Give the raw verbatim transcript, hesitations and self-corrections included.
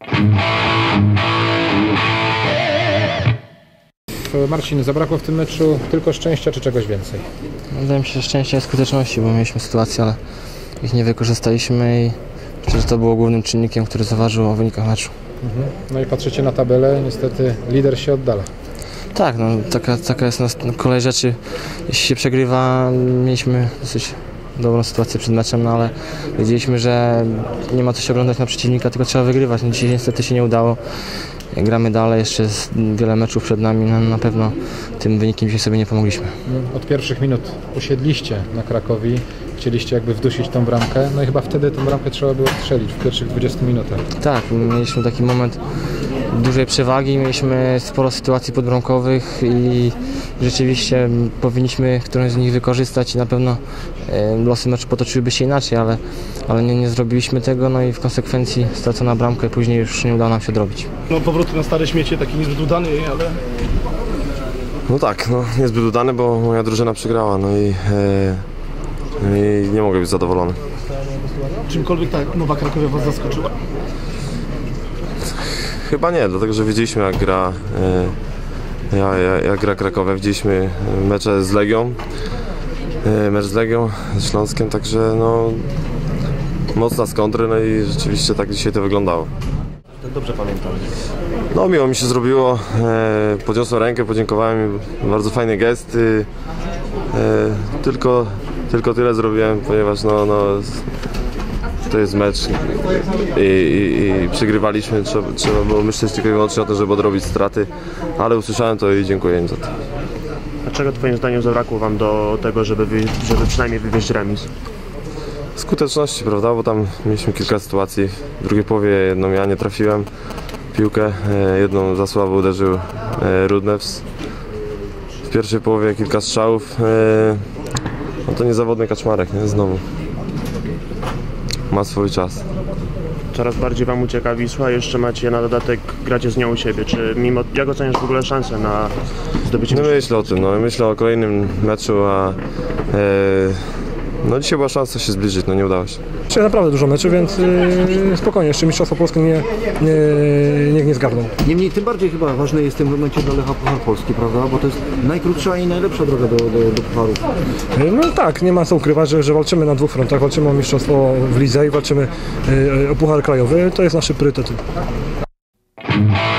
Marcin, zabrakło w tym meczu tylko szczęścia czy czegoś więcej? Wydaje mi się, że szczęścia i skuteczności, bo mieliśmy sytuację, ale ich nie wykorzystaliśmy i myślę, że to było głównym czynnikiem, który zaważył o wynikach meczu. Mhm. No i patrzycie na tabelę, niestety lider się oddala. Tak, no, taka, taka jest nas kolej rzeczy. Jeśli się przegrywa, mieliśmy dosyć dobrą sytuację przed meczem, no ale wiedzieliśmy, że nie ma co się oglądać na przeciwnika, tylko trzeba wygrywać. No, dzisiaj niestety się nie udało. Gramy dalej, jeszcze jest wiele meczów przed nami, no, na pewno tym wynikiem dzisiaj sobie nie pomogliśmy. Od pierwszych minut usiedliście na Krakowi, chcieliście jakby wdusić tą bramkę, no i chyba wtedy tą bramkę trzeba było strzelić w pierwszych dwudziestu minutach. Tak, mieliśmy taki moment dużej przewagi, mieliśmy sporo sytuacji podbramkowych i rzeczywiście powinniśmy którąś z nich wykorzystać i na pewno losy meczu potoczyłyby się inaczej, ale, ale nie, nie zrobiliśmy tego, no i w konsekwencji stracona bramka i później już nie udało nam się odrobić. No powrót na stare śmiecie, taki niezbyt udany, ale... No tak, no niezbyt udany, bo moja drużyna przegrała, no i, e, i nie mogę być zadowolony. Czymkolwiek ta Nowa Krakowia was zaskoczyła? Chyba nie, dlatego że wiedzieliśmy jak gra, e, ja, ja, jak gra Krakowia, widzieliśmy mecze z Legią, e, mecz z Legią, z Śląskiem, także no mocna z kontry, no i rzeczywiście tak dzisiaj to wyglądało. Dobrze pamiętam. No miło mi się zrobiło, e, podniosłem rękę, podziękowałem, bardzo fajny gest, e, tylko, tylko tyle zrobiłem, ponieważ no, no, to jest mecz i, i, i przegrywaliśmy, trzeba, trzeba było myśleć tylko i wyłącznie o tym, żeby odrobić straty, ale usłyszałem to i dziękuję im za to. A czego twoim zdaniem zabrakło wam do tego, żeby, wy, żeby przynajmniej wywieźć remis? Skuteczności, prawda, bo tam mieliśmy kilka sytuacji, w drugiej połowie jedną ja nie trafiłem piłkę, jedną za słabo uderzył Rudnews. W pierwszej połowie kilka strzałów, no to niezawodny Kaczmarek, nie? Znowu. Ma swój czas. Coraz bardziej wam ucieka Wisła, jeszcze macie na dodatek, gracie z nią u siebie. Czy mimo, jak oceniasz w ogóle szansę na zdobycie? No myślę o tym, no myślę o kolejnym meczu, a e, no dzisiaj była szansa się zbliżyć, no nie udało się. Dzisiaj naprawdę dużo meczy, więc yy, spokojnie, jeszcze Mistrzostwo Polskie nie, nie, niech nie zgarną. Niemniej tym bardziej chyba ważne jest w tym momencie dla Lecha Puchar Polski, prawda? Bo to jest najkrótsza i najlepsza droga do, do, do pucharów. Yy, no tak, nie ma co ukrywać, że, że walczymy na dwóch frontach, walczymy o Mistrzostwo w lidze i walczymy yy, o Puchar Krajowy, to jest nasz priorytet.